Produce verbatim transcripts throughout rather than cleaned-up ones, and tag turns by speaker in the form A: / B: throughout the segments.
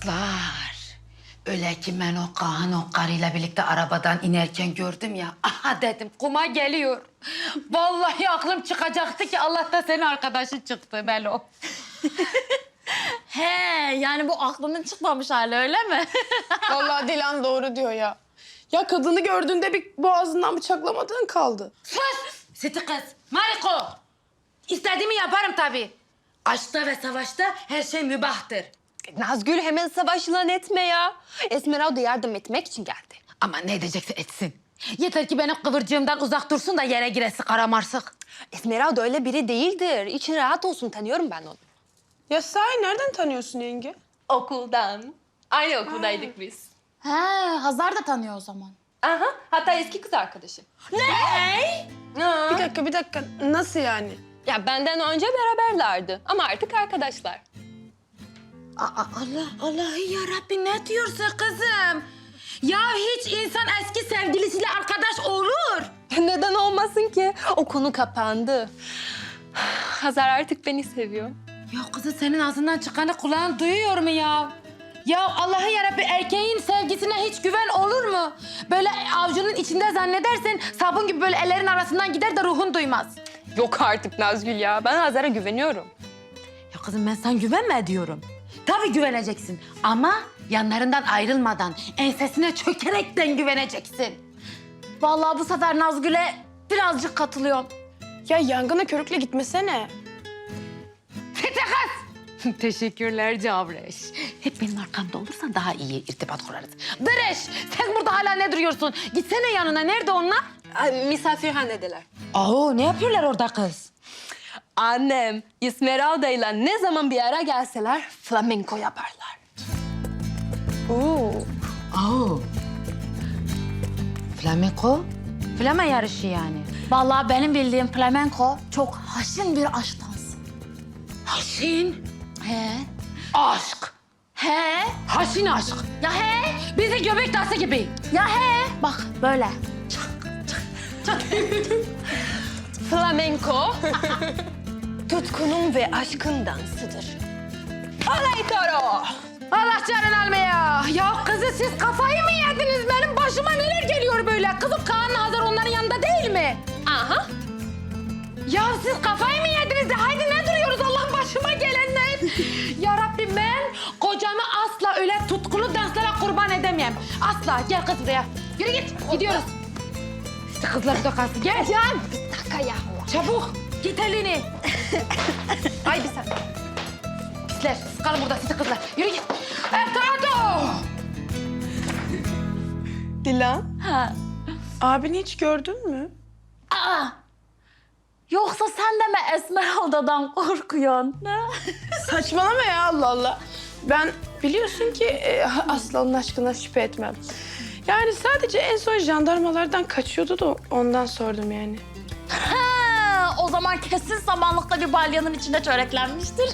A: Kızlar, öyle ki ben o Kaan o karıyla birlikte arabadan inerken gördüm ya. Aha dedim, kuma geliyor. Vallahi aklım çıkacaktı ki Allah'ta senin arkadaşın çıktı Melo.
B: He, yani bu aklının çıkmamış hali öyle mi?
C: Vallahi Dilan doğru diyor ya. Ya kadını gördüğünde bir boğazından bıçaklamadığın kaldı.
A: Sus! Siti kız, Mariko. İstediğimi yaparım tabii. Aşkta ve savaşta her şey mübahtır.
D: Nazgül hemen savaş ilan etme ya. Esmeralda yardım etmek için geldi.
A: Ama ne edecekse etsin. Yeter ki benim kıvırcığımdan uzak dursun da yere giresi karamarsık.
D: Esmeralda öyle biri değildir. İçin rahat olsun, tanıyorum ben onu.
C: Ya sahi nereden tanıyorsun yenge?
D: Okuldan. Aynı okuldaydık biz.
B: He, Hazar da tanıyor o zaman.
D: Aha, hatta eski kız arkadaşı.
B: Ne?
C: Bir dakika bir dakika nasıl yani?
D: Ya benden önce beraberlerdi ama artık arkadaşlar.
A: Aa, Allah, Allah'ı yarabbi ne diyorsun kızım? Ya hiç insan eski sevgilisiyle arkadaş olur.
D: Neden olmasın ki? O konu kapandı. Hazar artık beni seviyor.
A: Ya kızı senin ağzından çıkanı kulağın duyuyor mu ya? Ya Allah'ı yarabbi erkeğin sevgisine hiç güven olur mu? Böyle avucunun içinde zannedersen sabun gibi böyle ellerin arasından gider de ruhun duymaz.
D: Yok artık Nazgül ya. Ben Hazar'a güveniyorum.
A: Ya kızım ben sana güvenme diyorum. Tabii güveneceksin ama yanlarından ayrılmadan, ensesine çökerekten güveneceksin.
B: Vallahi bu sefer Nazgül'e birazcık katılıyorum.
C: Ya yangına körükle gitmesene.
A: Fete kız! Teşekkürler Cavreş. Hep benim arkamda olursan daha iyi irtibat kurarız. Bereş, sen burada hala ne duruyorsun? Gitsene yanına, nerede onlar?
D: Ay, misafirhanedeler.
A: Aa, ne yapıyorlar orada kız?
D: Annem, Esmeralda ile ne zaman bir ara gelseler flamenko yaparlar.
C: Oo.
A: Aa. Flamenko? Flame yarışı yani.
B: Vallahi benim bildiğim flamenko çok haşin bir aşk dansı.
A: Haşin
B: He.
A: aşk.
B: He.
A: Haşin aşk.
B: Ya he.
A: Bizi göbek dansı gibi.
B: Ya he. Bak böyle.
D: Flamenko, tutkunun ve aşkın dansıdır. Olay toro!
A: Allah canını almaya. Ya kızı siz kafayı mı yediniz? Benim başıma neler geliyor böyle? Kızım Kaan Hazar onların yanında değil mi?
D: Aha,
A: Ya siz kafayı mı yediniz de haydi ne duruyoruz Allah başıma gelenler? Ya Rabbim ben kocamı asla öyle tutkulu danslara kurban edemem. Asla. Gel kız buraya. Yürü git. Gidiyoruz. İşte kızlar burada kalsın. Gel.
D: can bir dakika ya.
A: Çabuk. Git elini.
D: Ay bir saniye.
A: Pisler. Siz kalın burada siz kızlar. Yürü git. Etrado.
C: Dilan,
B: Ha.
C: abini hiç gördün mü?
B: Aa. Yoksa sen de mi Esmeralda'dan korkuyorsun? Ne?
C: Saçmalama ya Allah Allah. Ben biliyorsun ki e, asla onun aşkına şüphe etmem. Yani sadece en son jandarmalardan kaçıyordu da ondan sordum yani.
B: Ha, o zaman kesin samanlıkta bir balyanın içinde çöreklenmiştir.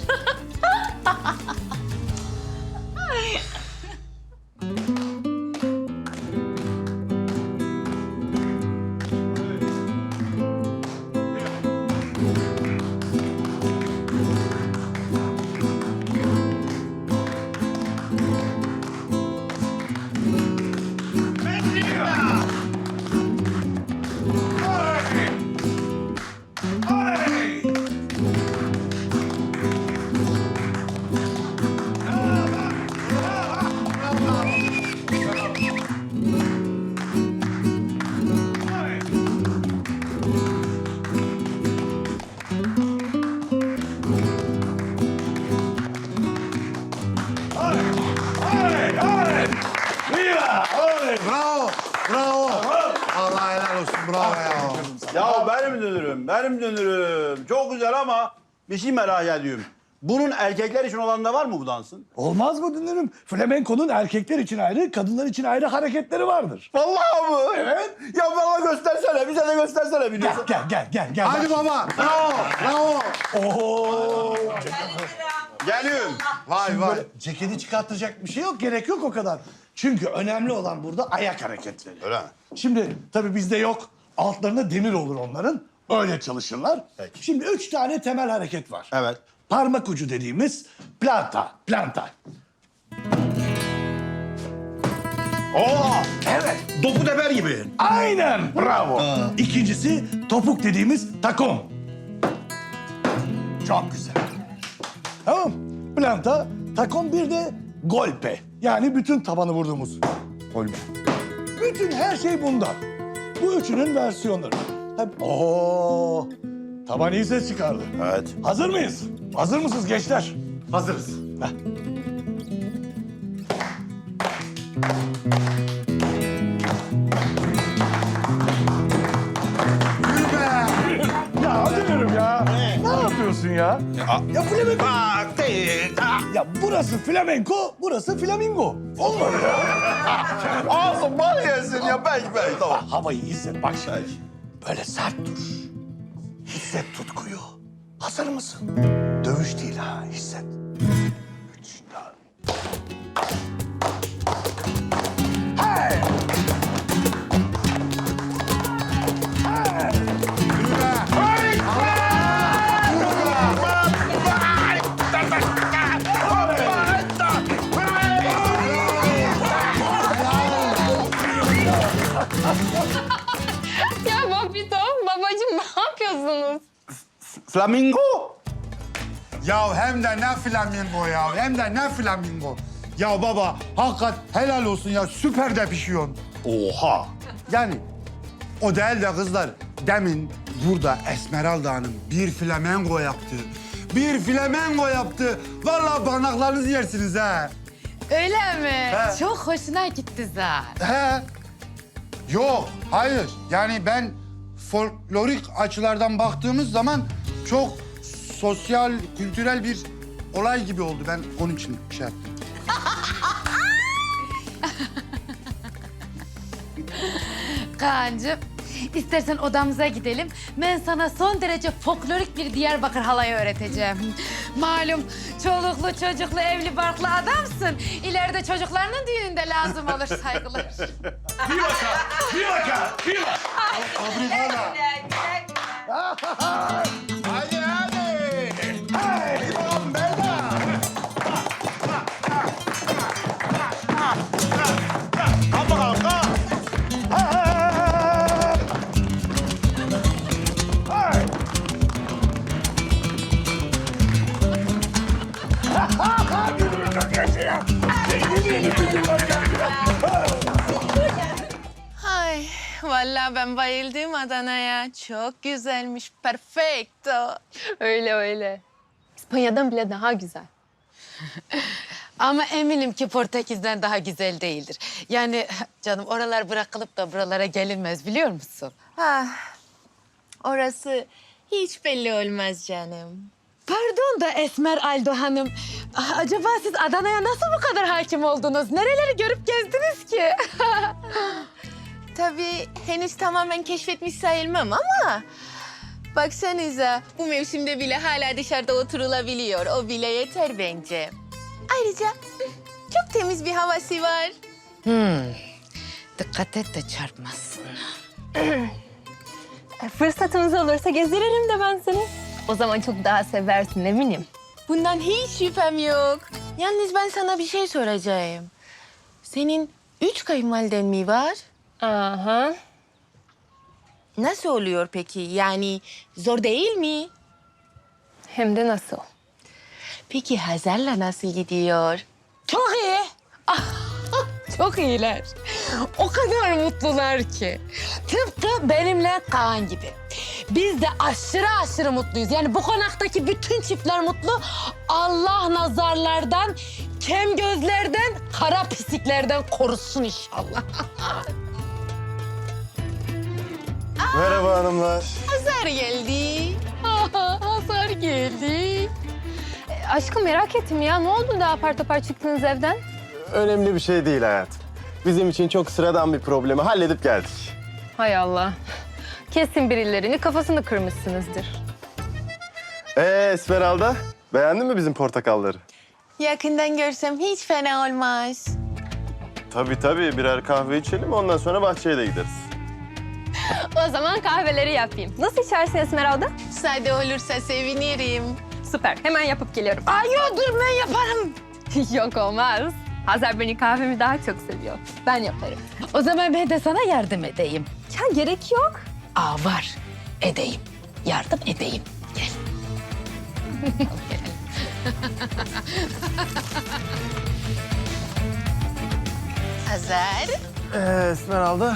E: Bravo, bravo. Allah helal olsun, bravo ya.
F: Ya benim dönürüm, benim dönürüm. Çok güzel ama bir şey merak ediyorum. Bunun erkekler için olan da var mı bu dansın?
G: Olmaz mı dünürüm? Flamenko'nun erkekler için ayrı, kadınlar için ayrı hareketleri vardır.
F: Vallahi mı?
G: Evet.
F: Ya bana göstersene, bize de göstersene
G: Gel,
F: biliyorsun.
G: gel, gel, gel, gel.
E: Hadi baba, bravo, bravo.
G: Oo.
F: Geliyorum.
E: Vay vay.
G: Böyle ceketi çıkartacak bir şey yok, gerek yok o kadar. Çünkü önemli olan burada ayak hareketleri.
F: Öyle mi?
G: Şimdi tabii bizde yok. Altlarında demir olur onların. Öyle çalışırlar.
F: Peki.
G: Şimdi üç tane temel hareket var.
F: Evet.
G: Parmak ucu dediğimiz planta, planta. Oo, evet.
F: Dopu teper gibi.
G: Aynen, bravo. İkincisi topuk dediğimiz takom. Çok güzel. Tamam. Planta, takom bir de golpe. Yani bütün tabanı vurduğumuz. Golpe. Bütün her şey bundan. Bu üçünün versiyonları. Tabii. Oo, taban iyi ses çıkardı.
F: Evet.
G: Hazır mıyız? Hazır mısınız gençler?
E: Hazırız.
G: Heh.
E: Yürü be.
G: Ya hadi diyorum ya. Ne yapıyorsun ya? Ya flamenco. Ya burası flamenco, burası flamingo. Olmadı ya.
F: Ağzım bal yesin ya. Peki peki tamam.
G: Havayı hisset bak şimdi. Böyle sert dur. Hisset tutkuyu. Hazır mısın? Dövüş değil ha, hisset. Üç, dört. Hey! Hey!
E: Yürü be.
D: Ya Papito, babacığım ne yapıyorsunuz?
F: Flamingo.
E: Ya hem de ne flamingo ya. Hem de ne flamingo. Ya baba hakikat helal olsun ya. Süper de pişiyorsun.
F: Oha.
E: Yani o değil de kızlar. Demin burada Esmeralda Hanım bir flamengo yaptı. Bir flamengo yaptı. Vallahi parmaklarınızı yersiniz ha.
A: Öyle mi?
E: He.
A: Çok hoşuna gitti zaten.
E: He. Yok, hayır. Yani ben folklorik açılardan baktığımız zaman çok sosyal, kültürel bir olay gibi oldu. Ben onun için şey yaptım.
A: Kaan'cığım, istersen odamıza gidelim. Ben sana son derece folklorik bir Diyarbakır halayı öğreteceğim. Malum çoluklu, çocuklu, evli barklı adamsın. İleride çocuklarının düğününde lazım olur saygılar.
G: Fivaka! Fivaka! Fivaka!
E: Fabrikada. Hadi hadi.
G: Hey!
E: Tamam beyler.
F: Kalk bakalım kalk.
G: Hey! Gülümü çok yaşa. Gülümü çok yaşa.
H: Ay vallahi ben bayıldım Adana'ya. Çok güzelmiş, perfecto.
D: Öyle öyle. İspanya'dan bile daha güzel.
A: Ama eminim ki Portekiz'den daha güzel değildir. Yani canım oralar bırakılıp da buralara gelinmez biliyor musun?
H: Ah, orası hiç belli olmaz canım.
A: Pardon da Esmer Aldo Hanım. Ah, Acaba siz Adana'ya nasıl bu kadar hakim oldunuz? Nereleri görüp gezdiniz ki?
H: Tabii henüz tamamen keşfetmiş sayılmam ama... Baksanıza bu mevsimde bile hala dışarıda oturulabiliyor. O bile yeter bence. Ayrıca çok temiz bir havası var.
A: Dikkat et de çarpmasın.
D: E, fırsatımız olursa gezdiririm de ben seni. O zaman çok daha seversin eminim.
H: Bundan hiç şüphem yok. Yalnız ben sana bir şey soracağım. Senin üç kayınvaliden mi var?
D: Aha.
H: Nasıl oluyor peki? Yani zor değil mi?
D: Hem de nasıl?
H: Peki Hazar'la nasıl gidiyor?
A: Çok iyi. Ah, çok iyiler. O kadar mutlular ki. Tıpkı benimle Kaan gibi. Biz de aşırı aşırı mutluyuz. Yani bu konaktaki bütün çiftler mutlu. Allah nazarlardan, kem gözlerden, kara pisliklerden korusun inşallah.
I: Merhaba hanımlar.
H: Hazar geldi.
A: Hazar geldi.
D: E, aşkım merak ettim ya. Ne oldu da apar topar çıktınız evden?
I: Önemli bir şey değil hayatım. Bizim için çok sıradan bir problemi halledip geldik.
D: Hay Allah. Kesin birilerini kafasını kırmışsınızdır.
I: Ee Esmeralda, beğendin mi bizim portakalları?
H: Yakından görsem hiç fena olmaz.
I: Tabii tabii, birer kahve içelim ondan sonra bahçeye de gideriz.
D: O zaman kahveleri yapayım. Nasıl içersin Esmeralda?
H: Sade olursa sevinirim.
D: Süper. Hemen yapıp geliyorum.
A: Ay yok dur ben yaparım.
D: Yok olmaz. Hazar beni kahvemi daha çok seviyor. Ben yaparım.
A: O zaman ben de sana yardım edeyim.
D: Ya gerek yok.
A: Aa var. Edeyim. Yardım edeyim. Gel.
H: Hazar.
I: Ee, Esmeralda.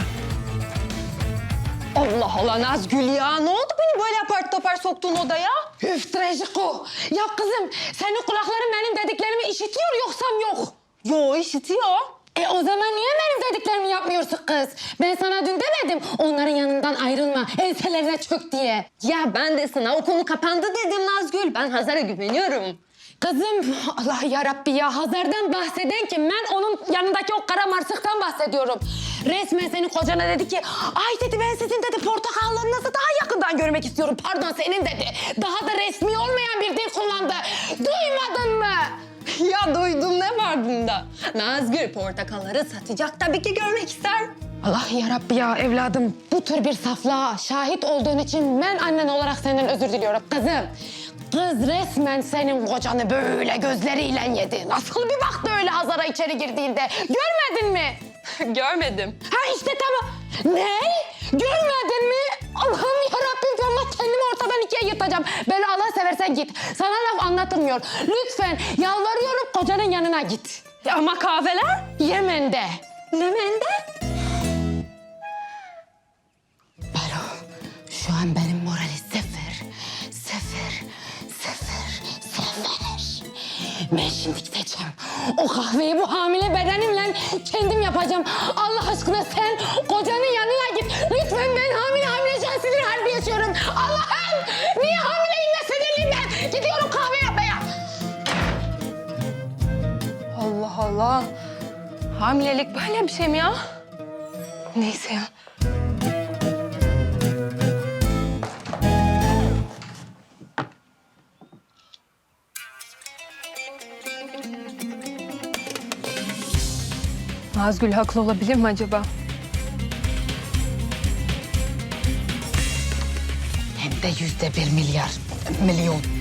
D: Allah Allah Nazgül ya. Ne oldu beni böyle apar topar soktuğun odaya?
A: Üf Trejiko. Ya kızım senin kulakların benim dediklerimi işitiyor yoksam yok.
D: Yo işitiyor.
A: E o zaman niye benim dediklerimi yapmıyorsun kız? Ben sana dün demedim onların yanından ayrılma, enselerine çök diye.
D: Ya ben de sana o konu kapandı dedim Nazgül. Ben Hazar'a güveniyorum.
A: Kızım Allah yarabbi ya Hazar'dan bahseden kim? Ben onun yanındaki o kara marsıktan bahsediyorum. Resmen senin kocana dedi ki ay dedi ben sizin dedi portakallarınızı daha yakından görmek istiyorum. Pardon senin dedi. Daha da resmi olmayan bir dil kullandı. Duymadın mı?
D: Ya duydum ne var bunda? Nazgül portakalları satacak tabii ki görmek ister.
A: Allah yarabbi ya evladım bu tür bir saflığa şahit olduğun için ben annen olarak senden özür diliyorum kızım. Kız resmen senin kocanı böyle gözleriyle yedi. Nasıl bir baktı öyle Hazar'a içeri girdiğinde. Görmedin mi?
D: Görmedim.
A: Ha işte tamam. Ne? Görmedin mi? Allah'ım yarabbim Allah kendimi ortadan ikiye yırtacağım. Böyle Allah seversen git. Sana laf anlatılmıyor. Lütfen yalvarıyorum kocanın yanına git.
D: Ama kahveler?
A: Yemen'de.
D: Yemen'de?
A: Baro, şu an benim morali sıfır, sıfır, sıfır, sıfır. Ben şimdi gideceğim. O kahveyi bu hamile bedenimle kendim yapacağım. Allah aşkına sen kocanın yanına git. Lütfen ben hamile hamile can sinir harbi yaşıyorum. Allah'ım niye hamileyim ve sinirliyim ben? Gidiyorum kahve yapmaya.
D: Allah Allah. Hamilelik böyle bir şey mi ya? Neyse ya. Nazgül haklı olabilir mi acaba?
A: Hem de yüzde bir milyar milyon.